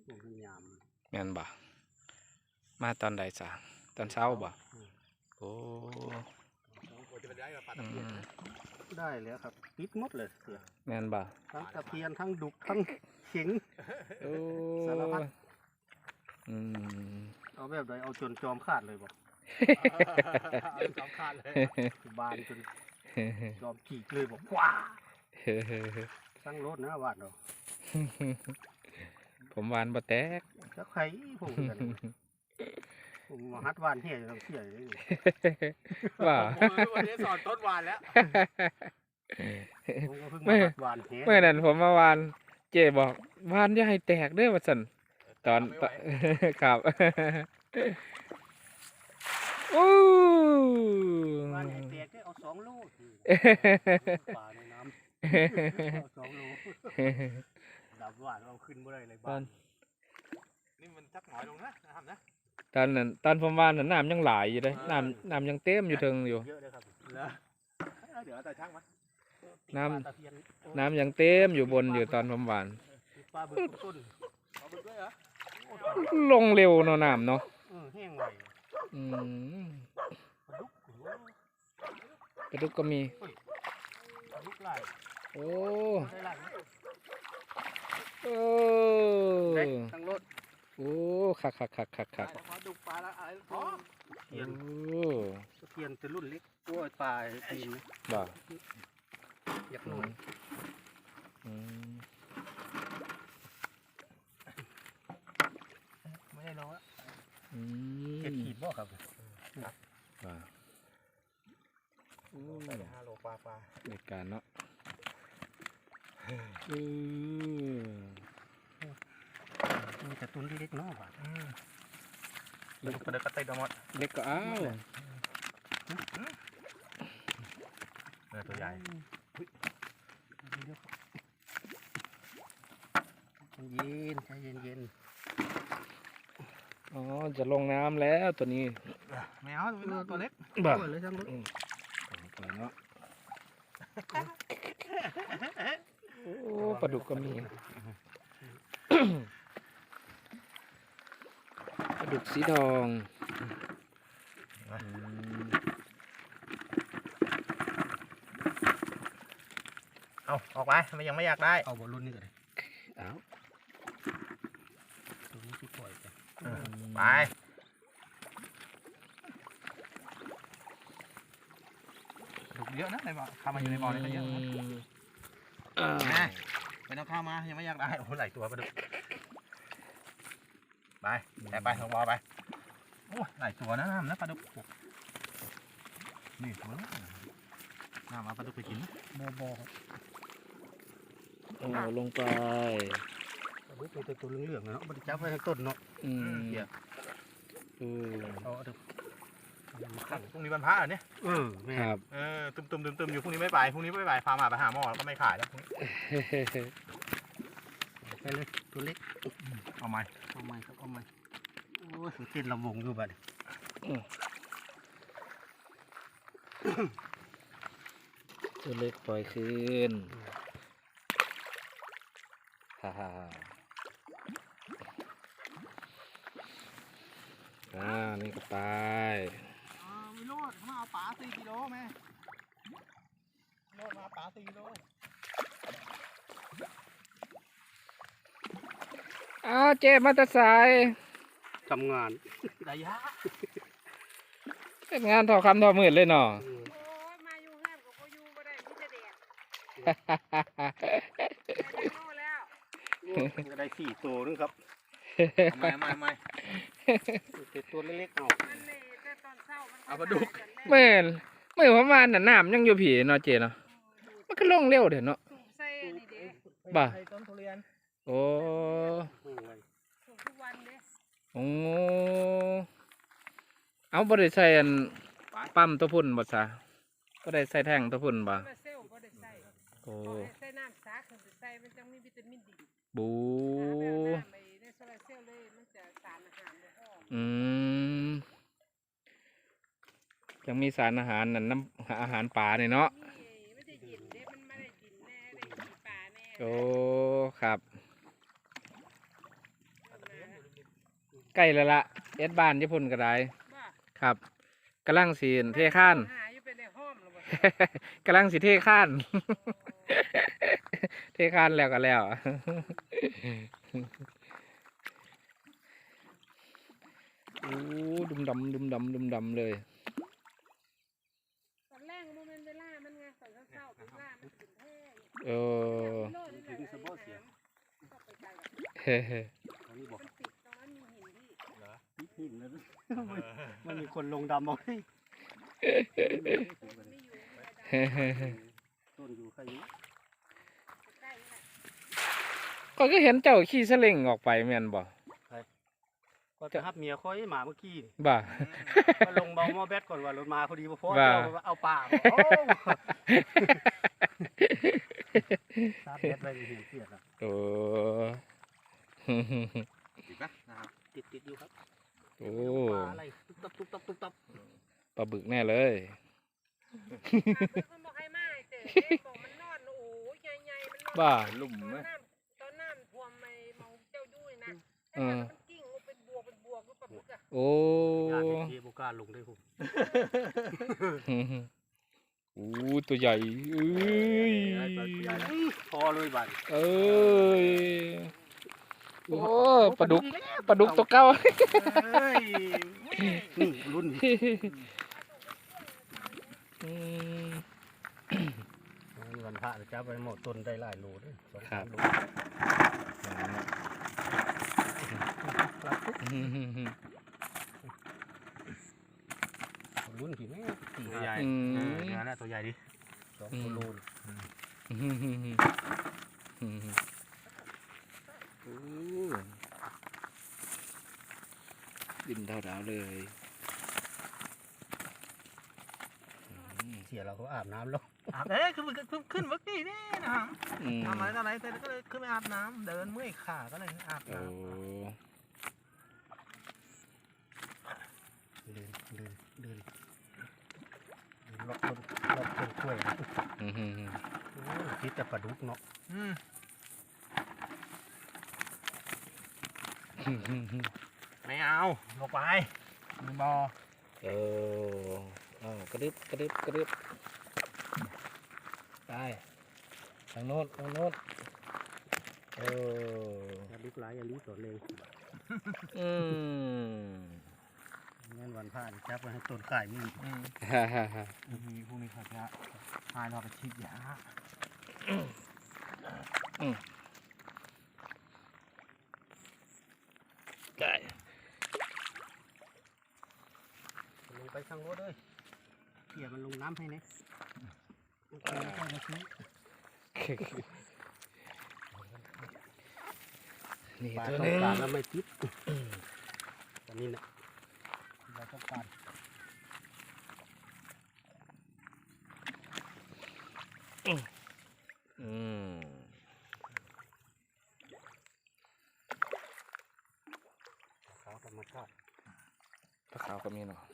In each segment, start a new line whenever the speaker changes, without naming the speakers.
แม่นบ่มาตอนใดจ้ะตอนเช้าบ่โอ้
ได้แล้วครับปิดหมดเลย
แม่นบ่
ทั้งตะเพียนทั้งดุกทั้งเข็งสารพัดเอาแบบใดเอาจนจอมขาดเลยบ่จอมขาดเลยบานจนจอมขีดเลยบอกว้าสั่งรถนะวาดเนาะ
ผมวานบ่แตก
จะไข่ผมมาฮัดวานเฮียจะต้องเสียเลย
ว่า
วันนี้สอนต้นวานแล้ว
เมื่อนั้นผมมาวานเจ๊บอกวานอย่าให้แตกเด้อว่าซั่นตอนครับอู้
วานให้แตกได้เอา2 ลูกป่าในน้ำ2 ลูกดับวานเราขึ้นบ่ได้เลยบ้านนี่มันจักหน่อยลงนะทำนะ
ตอนนั้นตอนผมวานน้ำยังไหลอยู่เลยน้ำยังเต็มอยู่เทิงอยู่
เยอะเลยครับเดี๋ยวแต่ช่างมัน
น้ำยังเต็มอยู่บนอยู่ตอนผมวาน
ปลาบึกต้นปลาบึกด้วยเหรอ
ลงเร็วเนาะน้ำเนาะ
แห้งไว
ปลาดุกก็มี
ปลาดุกไหล
โอ้
ทั้งรถ
โอ้คัก
ปลาดุกปลาอะไรเทียนเป็นรุ่นเล็กกล้วยปลาตีน
บ่
อยากหน่อยไม่ได้น้อยเก็บขีดบ่ครับ5 โลปลา
ในการเนาะ
มีแต่ตุนที่เล็กน้อยว่ะเล็กก็ได้กระต่ายดมด
เล็กก็อ้าว
ตัวใหญ่ใจเย็น
อ๋อจะลงน้ำแล้วตัวนี้
ไม่เอาตัวเล็ก
บ่
เลยทั้งรถ
ตัวเนาะโอ้ปลาดุกก็มีปลาดุกสีทอง
เอาออกไปมันยังไม่อยากได้เอาบอลลูนนี่ก่อน
เอา
ตัวนี้ที่ปล่อย
ไปดุกเยอะนะในบ่อข้ามาอยู่ในบ่อนี่ก็เยอะนะไปน้องข้ามายังไม่อยากได้โอ้หลายตัวปลาดุกไปแต่ไปลงบ่อไปโอ้หลายตัวนะน้ำนะปลาดุกนี่ตัวน้ำมาปลาดุกไปกิน
บ่
ลงไป
มีแต่ตัวเหลืองๆเนาะมันจับไว้ทั้งต้นเนาะ
เดี๋ยว
เอา
ขังพรุ่งนี้วันพระเนี่ย
ครับ
ตุ่มอยู่พรุ่งนี้ไม่ไปพรุ่งนี้ไม่ไปพามาไปหาหมอแล้วก็ไม่ขายแล้วพรุ่งนี้
ไปเลยตัวเล็ก
เอาไหม
ครับเอาไหมโอ้ยเต้นลำวงอยู่บ้าน
ตัวเล็กปล่อยคืนฮ่านี่ก็ตาย
วิโรจน์มาเอาปลา4 กิโลแม่วิโรจน์มาปลา4 กิโล
เจ๊มาแต่สาย
ทำงาน
ระยะ
เป็นงานทอคำทอมืดเลยเนาะ
มาอยู่งานก็บ่อยู่บ่ได้มีแต่แดด
จะได้4 ตัวนึงครับ
ไม่
ตัวเล็กๆเอา
เอาปลาดุก
เมื่อประมาณน่ะน้ำยังอยู่ผีเนาะเจ๊เนาะมันก็ลงเร็วเดี๋ยวเนาะบ่าโอ้โอ้เอาบ่ได้ใส่ปั๊มตัวพุ่นบ่ซะบ่ได้ใส่แท่งตัวพุ่นบ่โอ้
ใส่น้ำสาขึ้นไปใส่มันจังมีวิตามินดี
บู
ในโซลาเซลล์เลยมันจะสารอาหารบ่พ
อยังมีสารอาหารนั่นน้ำอาหารป่าเนี่ยเนาะ
มันจะเย็นเด้มันไม่ได้กินแน่ได้กินปลาแน่
โอ้ครับใกล้แล้วละเอ็ดบ้านญี่ปุ่นก็ได้
ว่า
ครับกำลังสีเทข้าน
หาอยู่เป็นในห้อมหรือเปล่า
กำลังสิเทข้าน เทข้านแล้วก็แล้ว โอ้ดุมดำดุมดำดุมดำเลย
ตอนแรกโมเมนต์เวลามันไงตอนเช้าๆเวลามันถึงแท้
เออ
โลดนี่แหละ
ถึงสะโพกเสีย
ก็ไปไกลแบบ
เฮ้เฮ้
ตอนนี้บอก
มันติดตรงนั้นมีหินที่
หินแล้วมันมีคนลงดำเอาให้
มันไม่อยู่ในระดับ
เฮ้เฮ้เฮ้
ต้นอยู่ใครอยู่
ใกล้นี่แหละ
ก็เห็นเจ้าขี่สลิงออกไปแม่นบ่
ก็จะทับเมียค่อยหมาเมื่อกี้นี่
บ่า
ก็ลงเบาหม้อแบตก่อนว่ารถมาพอดีพอ
ว่า
เอาป่าโอ้ชาร์จแบตไว้เห็นเสียดอ่ะ
โอ้
ติดปะนะครับ
ติดอยู่ครับ
โอ้
ปลาอะไรตุ๊บตับตุ๊บตับตุ๊บตับ
ปลาบึกแน่เลย
มันบอกให้มาเจอเด็กบอกมันนอนโอ้ยใหญ่ๆมันนอน
บ้า
ลุ่มไหม
ตอนน้ำท่วมไม่มองเจ้าดุ้ยนะ
เออ
มันกิ้งเป็นบวกก็ปะบึกอะ
โอ้
ญาติเทียบกล้าลงได้ผม
โอ้ตัวใหญ่เอ้ย
พอเลยบัด
เอ้ยโอ้ปลาดุกตัวเก่า
เฮ้ยนี่รุ่น
อืม
วันพระจับไปหมดต้นได้หลายโลด้วยสอง
ครั
สา
บ
มโล รุ่นผีแม่
ตัวใหญ่เนี่ยนะตัวใหญ่ดิ
สองโล
โอ้ดินดาวๆเลย
เสียเราก็อาบน้ำแล้ว
อาบขึ้นเมื่อกี้นี่นะครับ
อืม
ทำอะไรต่ออะไรเสร็จก็เลยขึ้นไปอาบน้ำเดินเมื่อยขาก็เลยอาบ
โอ้
เดินล็อกต้นกล้วย
อืม
คิดแต่ปลาดุกเนาะ
ไม่เอาลงไปมีบอ
เออกระดึบไปทางโน้นเออ
ปลาดุกหลายอย่าลีต่อเลย
อืม
งั้นวันพระจับไปให้ต้นข่ายมี
ฮ่าฮ่าฮ่า
มีพวกนี้เขาจะพาเราไปฉีดยา
ไก่
ลงไปข้างรถเลยเขี่ยมันลงน้ำให้เนี่ยไม่ต้องมาซื้อ
นี่
ปลา
ตัว
ต้อ
นึ
ง
ง
การแล้วไม่ติดอันนี้นะเราต้องการ
อืม
ขาวธรรมชาติ
ปลาขาวก็มีเนาะ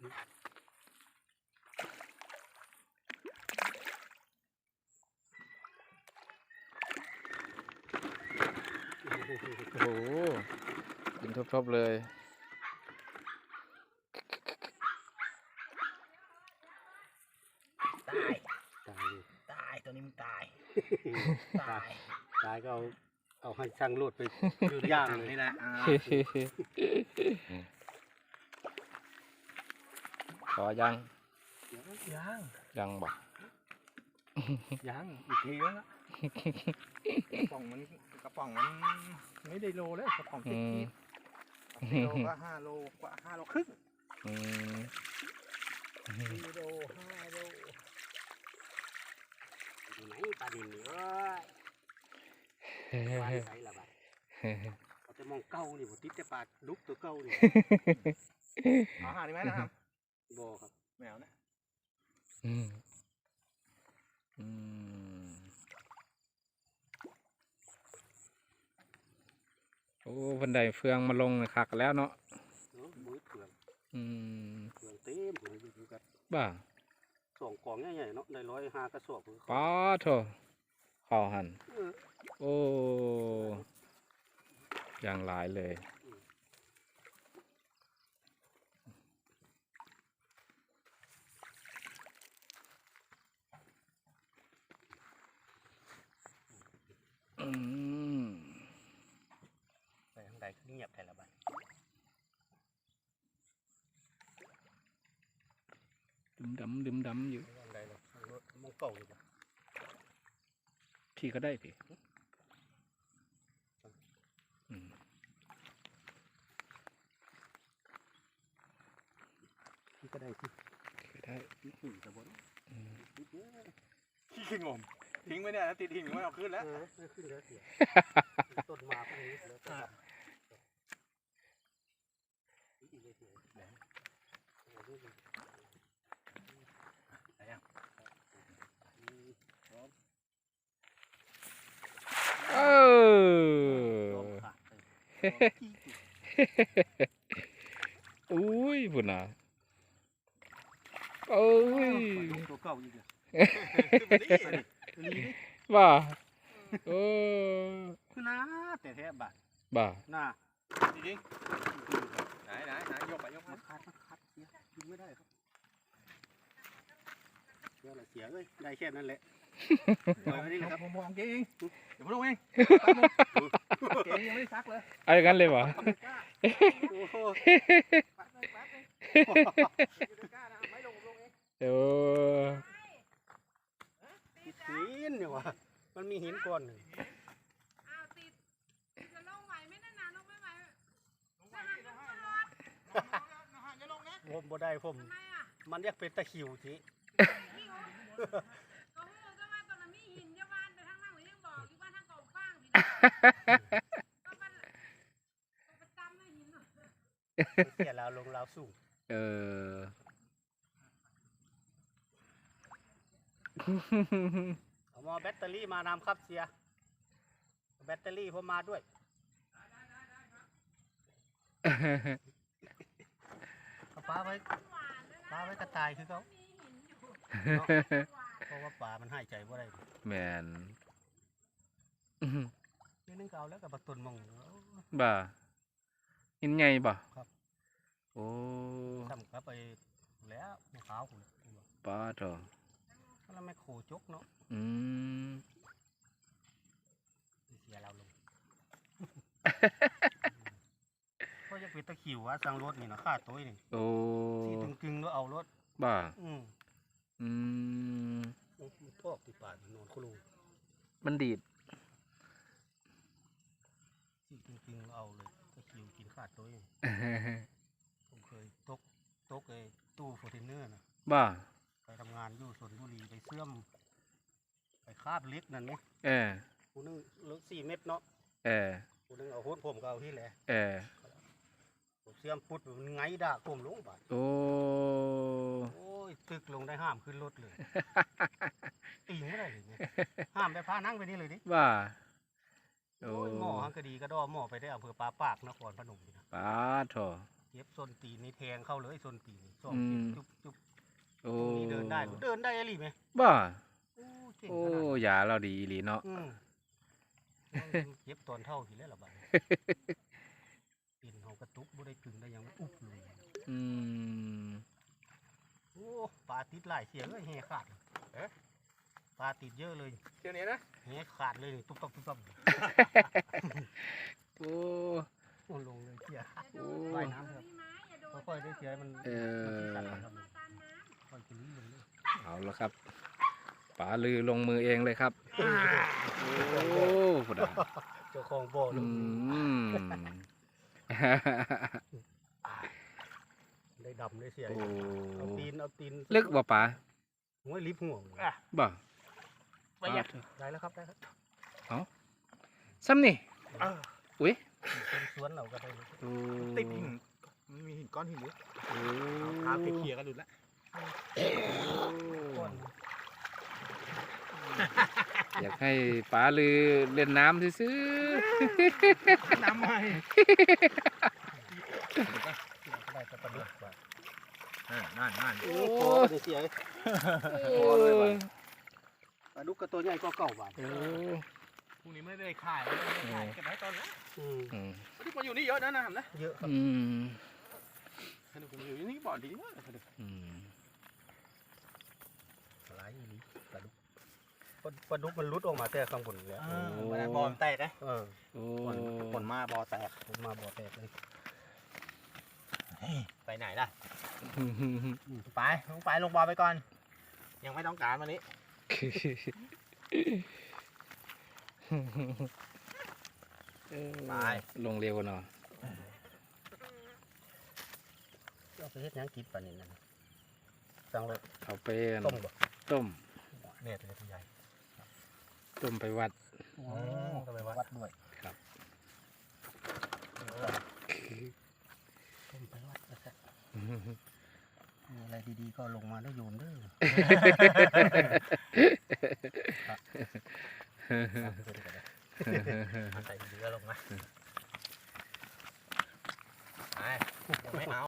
โอ้โหกินทบๆเลย
ตาย
ตาย
ตายตัวนี้มันตาย
ตายตายก็เอาให้ช่างโลดไปย่างเลย
นี่แหละ
ขอยัง
ยัง
ยังบอก
ยังอีกทีแล้วกระป๋องมันไม่ได้โลแล้วกระป๋องติดกีบโลก็5 โลกว่า5 โลครึ่ง
อืม
4 โล 5 โลอยู่ไหนปลาดินนี่เอ้ยปลาใสละบัดเอาแต่มองเก้านี่บ่ติดแต่ปลาดุกตัวเก้านี่
เอาหาดีไหมนะครับ
บ่ครับ
แมวนะ
อืมอืมโอ้บันไดเฟืองมาลงคักแล้วเนาะ
มือเถื่อน
อืม
เถื่อนเต็มเลยอยู่กัน
บ้า
สองกองใหญ่ๆเนาะได้105กระสอบ
ป้าโถขอหัน โอ้อย่างหลายเลย
เงียบแทนละบัด
ดื่มดำอยู่
อันใดล่ะมองเก่าอยู่บ่
พี่ก็ได้พี่อืม
ที่ก็ได้ที่
ก็ได้
ที่ขึ้นสะบน
อืม
ขี้งมทิ้งไว้เนี่ยแล้วติดหินไม่เอาขึ้นแล้ว
ไม่ขึ้นแล้วเสียต้นมาพวกนี้แล้วก็อีกเลยเสียแหลมอะไรอ่ะ
เออ อุ้ยพุ่นน่ะโอ้ย
ตัวเก่าอีกอ่ะ
บ้าโอ้
คือนะแต่แท้บาท
บ้า
น่า
จริงๆไหนยกไปยก
มั
มาน
คัดเสียกินไม่ได้ครับเดี๋ยวละเสียเลยได้แค่นั้นแหละปล่อยไว้นี่แหละครับ
ผมมองเก่งเดี๋ยวผมลงเองเก่งยังไม่ได้ซักเลย
เอาอย่างนั้นเลยวะ
โอ้โห
เดี๋ยว
หินเนี่ยวะมันมีหินก้อนหนึ่ง
อ้าวติดจะลงไหวไหมนั่นน่ะลงไม่ไหวจะหันลงตลอด
ผมบ่ได้ผม
ทำไมอ่ะ
มันอยากเป็นตะคริวที
นี่โอ้ก็หูก็ว่าตอนนั้นมีหินเยาวันแต่ทางนั่งหรือยังบอกอยู่ว่าทางเก่าฟ้างหินก็มันประจำเลยหิน
เสียลาวลงลาวสูง
เออ
เอามาแบตเตอรี่มานำครับเสียแบตเตอรี่ผมมาด้วยเอาปลาไว้กระต่ายคือเขาเพราะว่าปลามันหายใจบ่ได้
แมน
นี่นึงก็เอาแล้วกับปลาตุนมอง
บ่าหินใหญ่บ่
ครับ
โอ้
ทำครับไปแล้วมะพร้าวคุณ
ป้าเถอะ
แล้วไม่โคจกเนาะ
อืม
เสียเราลงก็ยังเป็นตะขิวว่าสั่งรถนี่นะค่าตัวนี่
โอ้
ที่ตึงๆแล้วเอารถ
บ่า
อืม
อืม
มันทอกติดปากนอนคุลู
มันดีด
ที่ตึงๆแล้วเอาเลยตะขิวกินค่าตัวนี่ผมเคยตกไอ้ตู้โฟเทนเนอร์นะ
บ่า
ไปทำงานอยู่ชลบุรีไปเสื่อมไปคาบเล็กนั่นไหม
เออ
ผู้นึงเลิก4 เม็ดเนาะ
เออ
ผู้นึงเอาโหดผมก็เอาที่แหละ
เออ
ผมเสื่อมพุดมันไงด่าผมลงบาด
โอ้
โอ้ยตึกลงได้ห้ามขึ้นรถเลย ตีไม่ได้เลยเนี่ยห้ามไปพานั่งไปนี่เลยดิ
บ่า โอ้
โอ้ยหมอฮังกะดีก็ดอหมอไปได้อำเภอปาปากนครพนมนี่นะ
ป้าเถอะ
เย็บส้นตีนนี่แทงเข้าเลยส้นตีนนี่สอง
อืม
เข็มจุ๊บ
โอ้
ตรงนี้เดินได้อะไรไหม
บ่า
โอ้เก่ง
โอ้
ขนาดนั้น
ยาเราดีอีหลีเนาะ
เย็บตอนเท่าทีแล้วล่ะบ้านปิ่นเขากระตุกบ่ได้กึ่งได้หยังอุ๊บเลย
อืม
โอ้ปลาติดหลายเสียเลยแห่ขาดปลาติดเยอะเลย
เที่ยวนี้นะ
แห่ขาดเลยตุ๊บตับตุ๊บตับ
โอ้
โอ้ลงเลยเสีย
โอ้
ว่ายน้ำครับค่อยๆได้เสียมัน
เออ
ค่อยๆลิ้นลงเลย
เอาละครับป๋าลือลงมือเองเลยครับ โอ้พุดา
เจ้าของบ่อล
อื
ง
ม
ได้ดำได้เสีย
โอ้
เอาตีน
ลึกบ่ป๋า
หัวลิฟห่วง
บ่
ไปยัก
ได้แล้วครับได้แล้ว
ซ้ำนี่ อุ้ย
เป็นสวนเราก็ได้เลย
โอ้
ติดหินมันมีหินก้อนหินหรือ
โอ้
เท้าเคลียร์กันหลุดแล้ว
ก้อน
อยากให้ป๋าลือเล่นน้ำซื้อ
น้ำใหม่
ก็ได้จะประดุกว่า
นั่น
โอ้โหได้เสีย
ๆโอ้ย
ปลาดุกกับตัวใหญ่ก็เก่าบาท
โอ้
พรุ่งนี้ไม่ได้ขายไม่ได้ขายเก็บไว้ตอนนั้น
อืม
อืม
ที่มาอยู่นี่เยอะนะนะนะ
เยอะครับ
อืม
สนุกอยู่นี่บ่อดีมากสนุก
อืม
หลายอีหลีปลาดุกปลาดุกมันรุดออกมาแต่ข้างบนเลย
วันนั้นบอลแตกนะ
เออ
โอ้
ผลมาบอลแตก
ผมมาบ่อแตกเลย
ไปไหนล่ะไปลงบอลไปก่อน ยังไม่ต้องการวันนี้ ไป
ลงเร็วเนาะ
เอาไปเฮ็ดหยังกินปลานี่นั่นสั่งรถ
เอาไป
ต้มบ่
ต้ม
เนี่ยตัวใหญ่
ต้มไปวัด
ก็ไปวัดด้วย
ครับ
ต้มไปวัดนะครับมีอะไรดีๆก็ลงมาได้โยมเด้อ
ใส่เรือลงมาไปไม่เอา